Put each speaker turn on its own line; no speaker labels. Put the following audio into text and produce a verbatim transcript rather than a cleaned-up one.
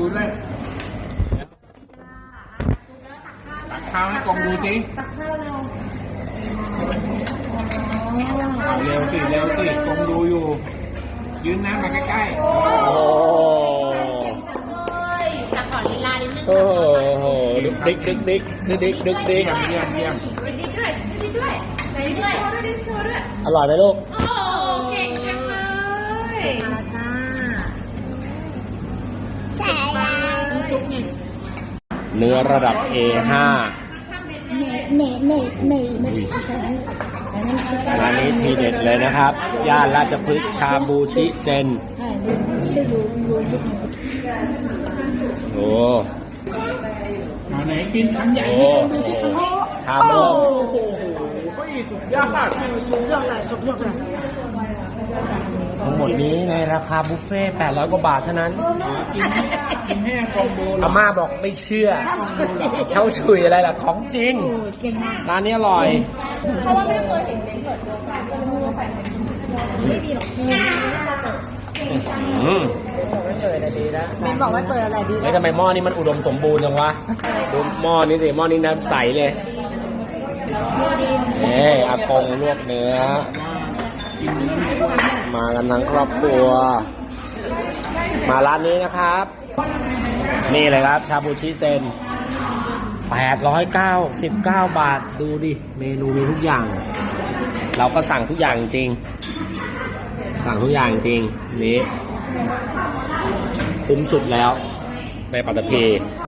ด้วยตักข้าวให้กองดูสิตักข้าวเร็วเอาเร็วสิเร็วสิกองดูอยู่ยืนน้ำมาใกล้ๆโอ้
ตักก่อนลีลานิดนึง
โอ้โหดึกดิกดึกดิกดึกดิกดึกดิก
เยี่ยมเยี่ยม
ดิด้วยดิด้วยไหนด้วยโชว์ด้วยดิโชว์ด้วย
อร่อยไหมลูก
โอ้เก่งจังเลยมาแล้วจ้าใช่แล้วซุปไง
เนื้อระดับ เอ ห้า
เนเนเนเน
ร้านนี้ทีเด็ดเลยนะครับย่านราชพฤกษ์ชาบูชิเซนโอ้
เอาไหนกินคำใหญ่
โอ้ชามโลก
โอ้โหสุดยอดสุดยอดเลยสุดยอดเลย
ทั้งหมดนี้ในราคาบุฟเฟ่ต์แปดร้อยกว่าบาทเท่านั้น
กินกินให้กองดู
อาม่าบอกไม่เชื่อเช่าชุยอะไรล่ะของจริงร้านนี้อร่อย
เพราะว่าไม่เคยเห็นเล้งเปิดตัวกันก็เลยไม่รู้ว่าไม่มีหรอก
อืม
เมนบอกว่าเปิดอะไรดี
แล้วทำไมหม้อนี้มันอุดมสมบูรณ์จังวะดูหม้อนี้สิหม้อนี้น้ำใสเลยเอ้อากงลวกเนื้อมากันทั้งครอบครัวมาร้านนี้นะครับนี่เลยครับชาบูชิเซนแปดร้อยเก้าสิบเก้าบาทดูดิเมนูมีทุกอย่างเราก็สั่งทุกอย่างจริงสั่งทุกอย่างจริงนี้คุ้มสุดแล้วในปัตตภี